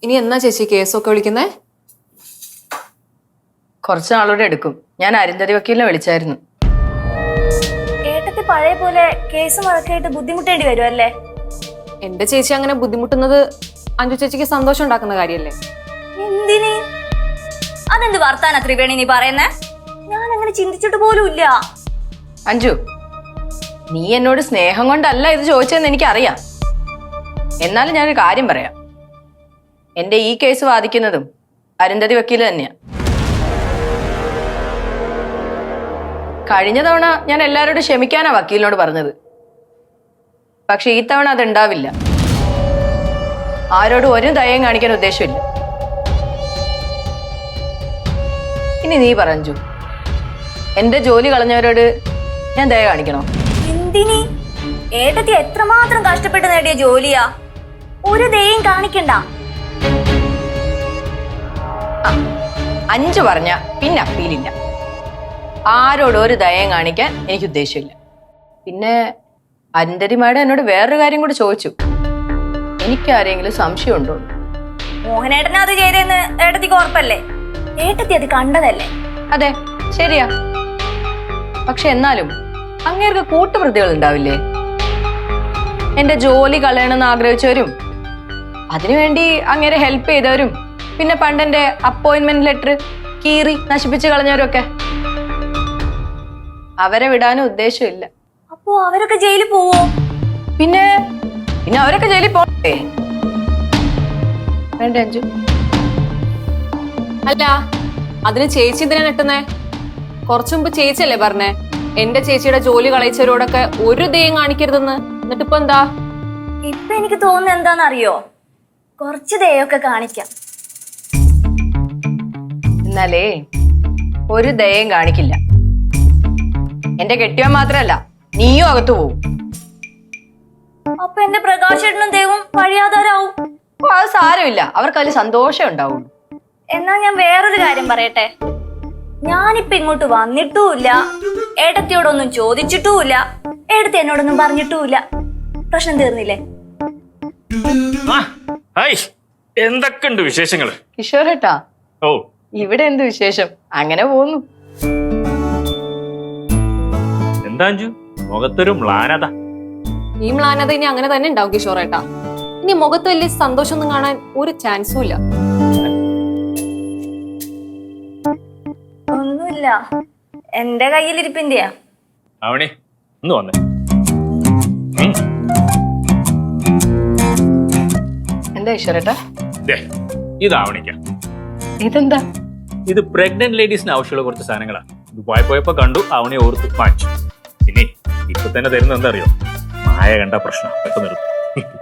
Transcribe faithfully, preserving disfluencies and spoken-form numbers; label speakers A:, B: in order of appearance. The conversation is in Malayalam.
A: ഇനി എന്നാ ചേച്ചി കേസൊക്കെ വിളിക്കുന്നേ?
B: കുറച്ച് നാളൂടെ എടുക്കും. ഞാൻ അരുന്ധതി വക്കീലിനെ വിളിച്ചായിരുന്നു.
C: ഏട്ടത്തി പഴയ പോലെ കേസ് മുടക്കായിട്ട് ബുദ്ധിമുട്ടേണ്ടി വരും അല്ലേ?
A: എന്റെ ചേച്ചി അങ്ങനെ ബുദ്ധിമുട്ടുന്നത് അഞ്ജു ചേച്ചിക്ക് സന്തോഷം ഉണ്ടാക്കുന്ന കാര്യല്ലേ?
C: എന്തിന്? അതെന്ത് വർത്താന ത്രിവേണി നീ പറയുന്നേ? ഞാൻ അങ്ങനെ ചിന്തിച്ചിട്ട് പോലും ഇല്ല.
B: അഞ്ജു, നീ എന്നോട് സ്നേഹം കൊണ്ടല്ല ഇത് ചോദിച്ചതെന്ന് എനിക്കറിയാം. എന്നാലും ഞാനൊരു കാര്യം പറയാം. എന്റെ ഈ കേസ് വാദിക്കുന്നതും അരുന്ധതി വക്കീല് തന്നെയാ. കഴിഞ്ഞ തവണ ഞാൻ എല്ലാവരോടും ക്ഷമിക്കാനാ വക്കീലിനോട് പറഞ്ഞത്. പക്ഷെ ഈ തവണ അതുണ്ടാവില്ല. ആരോടും ഒരു ദയം കാണിക്കാൻ ഉദ്ദേശമില്ല. ഇനി നീ പറഞ്ഞു, എന്റെ ജോലി കളഞ്ഞവരോട് ഞാൻ ദയ കാണിക്കണോ?
C: എന്തിനി? ഏട്ടത്തി എത്രമാത്രം കഷ്ടപ്പെട്ട് നേടിയ ജോലിയാ. ഒരു ദയം കാണിക്കണ്ട.
B: അഞ്ചു പറഞ്ഞ പിന്നെ അപ്പീലില്ല. ആരോടും ഒരു ദയം കാണിക്കാൻ എനിക്ക് ഉദ്ദേശമില്ല. പിന്നെ അരുന്ധതി മാഡം എന്നോട് വേറൊരു കാര്യം കൂടി ചോദിച്ചു. എനിക്ക് ആരെങ്കിലും സംശയമുണ്ടോ?
C: മോഹനേട്ടനെ അത് ചെയ്തെന്ന് ഏട്ടത്തിക്ക് ഉറപ്പല്ലേ? ഏട്ടത്തി അത് കണ്ടതല്ലേ?
B: അതെ, ശരിയാ. പക്ഷെ എന്നാലും അങ്ങേർക്ക് കൂട്ടുപ്രതികൾ ഉണ്ടാവില്ലേ? എന്റെ ജോലി കളയണമെന്ന് ആഗ്രഹിച്ചവരും അതിനുവേണ്ടി അങ്ങേരെ ഹെൽപ്പ് ചെയ്തവരും പിന്നെ പണ്ടെന്റെ അപ്പോയിന്റ്മെന്റ് ലെറ്റർ കീറി നശിപ്പിച്ച് കളഞ്ഞവരും ഒക്കെ. അവരെ വിടാനും ഉദ്ദേശമില്ല.
C: അപ്പോ അവരൊക്കെ ജയിലിൽ പോവോ?
B: പിന്നെ പിന്നെ അവരൊക്കെ ജയിലിൽ പോകണ്ടേ? വേണ്ട അഞ്ജു.
A: അല്ല, അതിന് ചേച്ചി എന്തിനാ നെട്ടുന്നേ? കുറച്ചു മുമ്പ് ചേച്ചിയല്ലേ പറഞ്ഞേ എന്റെ ചേച്ചിയുടെ ജോലി കളയിച്ചവരോടൊക്കെ ഒരു ദയം കാണിക്കരുതെന്ന്. എന്നിട്ടിപ്പോ എന്താ?
C: ഇപ്പൊ എനിക്ക് തോന്നുന്നത് എന്താണെന്നറിയോ? കുറച്ച് ദയൊക്കെ കാണിക്കാം.
B: എന്നാലേ ഒരു ദയം കാണിക്കില്ല. എന്റെ കെട്ടിയവൻ മാത്രല്ല, നീയും അകത്തു പോവും.
C: അപ്പൊ എന്റെ പ്രകാശേട്ടനും ദൈവം വഴിയാധാരാവും.
B: ഓ, അത് സാരമില്ല. അവർക്ക് അതിൽ സന്തോഷം ഉണ്ടാവുള്ളൂ.
C: എന്നാ ഞാൻ വേറൊരു കാര്യം പറയട്ടെ. ഞാനിപ്പൊ ഇങ്ങോട്ട് വന്നിട്ടുമില്ല, ഏട്ടത്തിയോടൊന്നും ചോദിച്ചിട്ടുമില്ല, ഏട്ടത്തി എന്നോടൊന്നും പറഞ്ഞിട്ടുമില്ല. പ്രശ്നം തീർന്നില്ലേ?
D: എന്തൊക്കെയുണ്ട് വിശേഷങ്ങള്?
B: കിഷോറേട്ടാ,
D: ഓ,
B: ഇവിടെ എന്ത് വിശേഷം? അങ്ങനെ പോകുന്നു.
D: എന്താ അഞ്ജു മുഖത്തൊരു മ്ലാനത?
A: ഈ മ്ലാനത ഇനി അങ്ങനെ തന്നെ ഉണ്ടാവും കിഷോറേട്ടാ. ഇനി മുഖത്ത് വലിയ സന്തോഷമൊന്നും കാണാൻ ഒരു ചാൻസും ഇല്ല.
C: ഒന്നുമില്ല, എന്റെ കയ്യിലിരിപ്പിന്റെയാ.
D: അവണി ഒന്ന് വന്നേ.
B: എന്താ കിഷോറേട്ടാ?
D: ഇതാവണിക്ക.
B: ഇതെന്താ?
D: ഇത് പ്രഗ്നന്റ് ലേഡീസിന് ആവശ്യമുള്ള കുറച്ച് സാധനങ്ങളാ. ദുബായ് പോയപ്പോ കണ്ടു, അവനെ ഓർത്ത് വാങ്ങിച്ചു. പിന്നെ ഇപ്പൊ തന്നെ തരുന്ന എന്താ അറിയോ? മായ കണ്ട പ്രശ്നം പെട്ടെന്ന് നിർത്തും.